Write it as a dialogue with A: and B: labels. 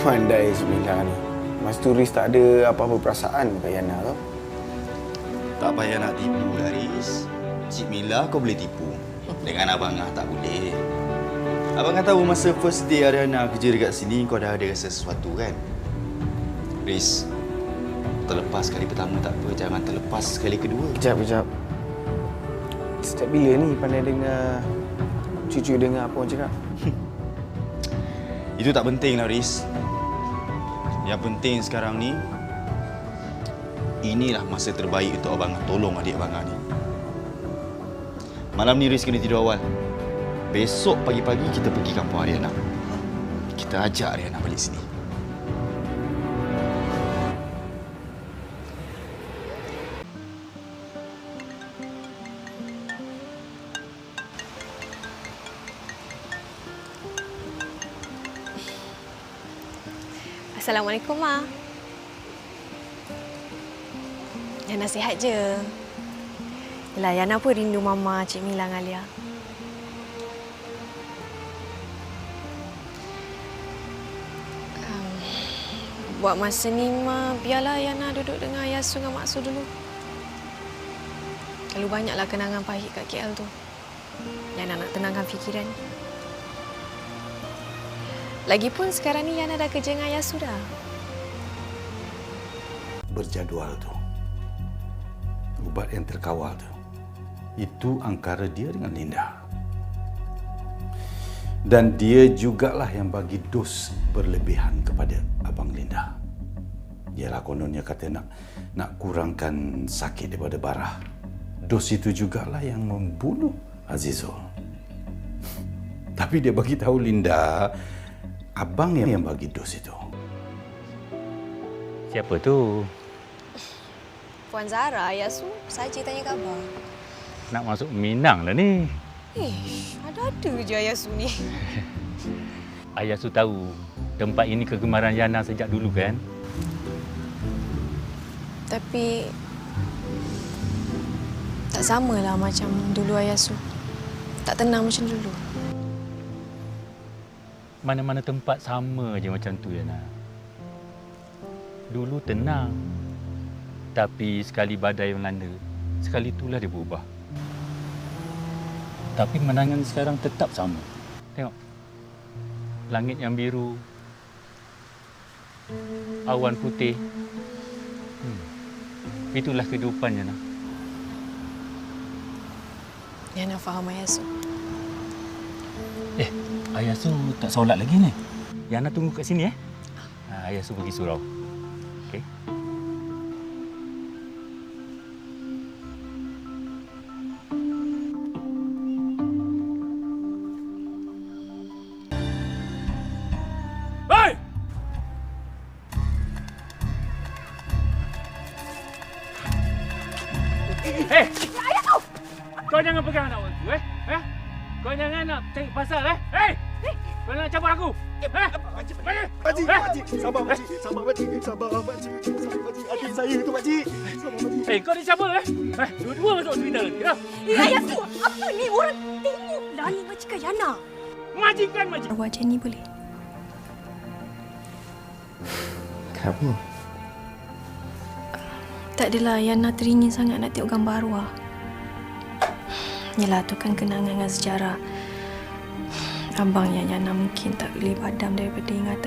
A: Pandai Cik ni. Mas turis tak ada apa-apa perasaan kat Yana tu.
B: Tak payah nak tipu, Haris. Cik Mila kau boleh tipu. Dengan Abang Ah tak boleh. Abang Ah tahu masa first day Ariana kerja dekat sini kau dah ada rasa sesuatu kan? Haris, terlepas kali pertama tak apa, jangan terlepas kali kedua.
A: Kejap. Sejak bila ni pandai dengar cucu dengar apa orang cakap?
B: Itu tak penting lah, Haris. Yang penting sekarang ni, inilah masa terbaik untuk Abang Ah tolong adik Abang Ah ni. Malam ni Haris kena tidur awal. Besok pagi-pagi kita pergi kampung Ariana. Kita ajak Ariana balik sini.
C: Assalamualaikum, Ma. Yana sihat je. Yelah, Yana pun rindu Mama, Cik Mila dengan Alia. Buat masa ni, Ma, biarlah Yana duduk dengan Ayah Su dengan Mak Su dulu. Terlalu banyaklah kenangan pahit kat KL tu. Yana nak tenangkan fikiran. Lagipun sekarang ni Yana dah kerja dengan Ayah Su dah.
D: Berjadual tu, ubat yang terkawal tu, itu angkara dia dengan Linda. Dan dia jugalah yang bagi dos berlebihan kepada Abang Linda. Ialah kononnya kata nak kurangkan sakit daripada Barah. Dos itu jugalah yang membunuh Azizul. Tapi dia bagi tahu Linda, Abang yang bagi dos itu.
E: Siapa tu?
C: Puan Zara, Ayah Su, saja tanya khabar.
E: Nak masuk Minang lah ni.
C: Ada-ada je Ayah Su ni.
E: Ayah Su tahu tempat ini kegemaran Yana sejak dulu kan?
C: Tapi tak samalah macam dulu Ayah Su. Tak tenang macam dulu.
E: Mana-mana tempat sama je macam tu, Yana. Dulu tenang. Tapi sekali badai melanda, sekali itulah dia berubah. Tapi pemandangan sekarang tetap sama. Tengok. Langit yang biru. Awan putih. Itulah kehidupan, Yana.
C: Yana faham Ayah Su.
E: Ayah Su tak solat lagi ni. Yana tunggu kat sini Ayah Su pergi surau. Okey.
F: Hei!
C: Ayah Su!
F: Kau jangan pegang anak orang tu, Kau jangan nak cari pasal, Hei! Kau nak campur aku?
G: Pakcik, sabar pakcik, adik saya tu pakcik.
F: Kau ni siapa, Dua-dua masuk hospital nanti,
C: Ayah Su, apa ni? Orang tengoklah ni majikan Yana.
F: Majikan.
C: Buat macam ni boleh?
A: Kenapa?
C: Tak adalah Yana teringin sangat nak tengok gambar arwah. Yelah, tu kan kenangan dengan sejarah. Abang yang Yana mungkin tak boleh padam daripada ingatan